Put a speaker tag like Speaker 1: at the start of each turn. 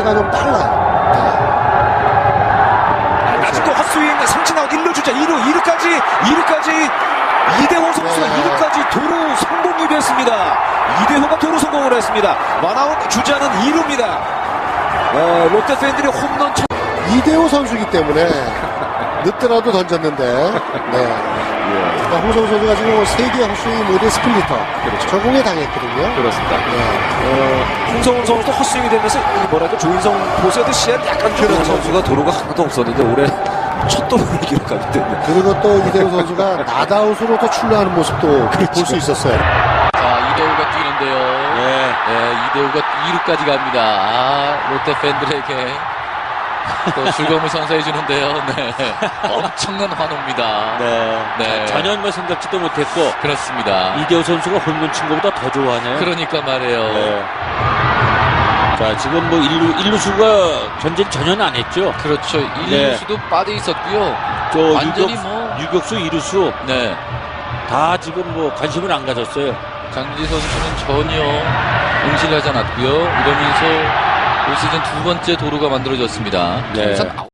Speaker 1: 페이스가 좀 빨라요.
Speaker 2: 아직도 헛스윙 삼진 아웃 1루 주자 2루까지 이대호 선수가 2루까지 도루 성공이 됐습니다. 이대호가 도루 성공을 했습니다. 원아웃 주자는 2루입니다. 롯데 팬들이 홈런
Speaker 1: 이대호 선수이기 때문에 늦더라도 던졌는데 그러니까 홍성우 선수가 지금 3개 헛스윙 모델 스플리터 적응에 당했거든요.
Speaker 2: 그렇습니다. 홍성훈 선수도 헛스윙이 되면서 뭐랄까 조인성 보세도 시야를 약간 좀 선수가 도루가 하나도 없었는데 올해 첫 도루를 기록하기 때문에
Speaker 1: 그리고 또 이대호 선수가 나다웃으로 또 출루하는 모습도 볼 수 있었어요.
Speaker 3: 자, 이대호가 뛰는데요. 이대호가 2루까지 갑니다. 롯데 팬들에게 또 즐거움을 선사해 주는데요. 엄청난 환호입니다.
Speaker 4: 전혀 뭐 생각지도 못했고.
Speaker 3: 그렇습니다.
Speaker 4: 이대호 선수가 홈런 친 것보다 더 좋아하네요.
Speaker 3: 그러니까 말이에요.
Speaker 4: 자, 지금 뭐 1루수가 견제를 전혀 안 했죠.
Speaker 3: 그렇죠. 1루수도 빠져 있었고요. 완전히
Speaker 4: 유격수, 2루수 다 지금 뭐 관심을 안 가졌어요.
Speaker 3: 장지 선수는 전혀 응실하지 않았고요. 이러면서 올 시즌 2번째 도루가 만들어졌습니다.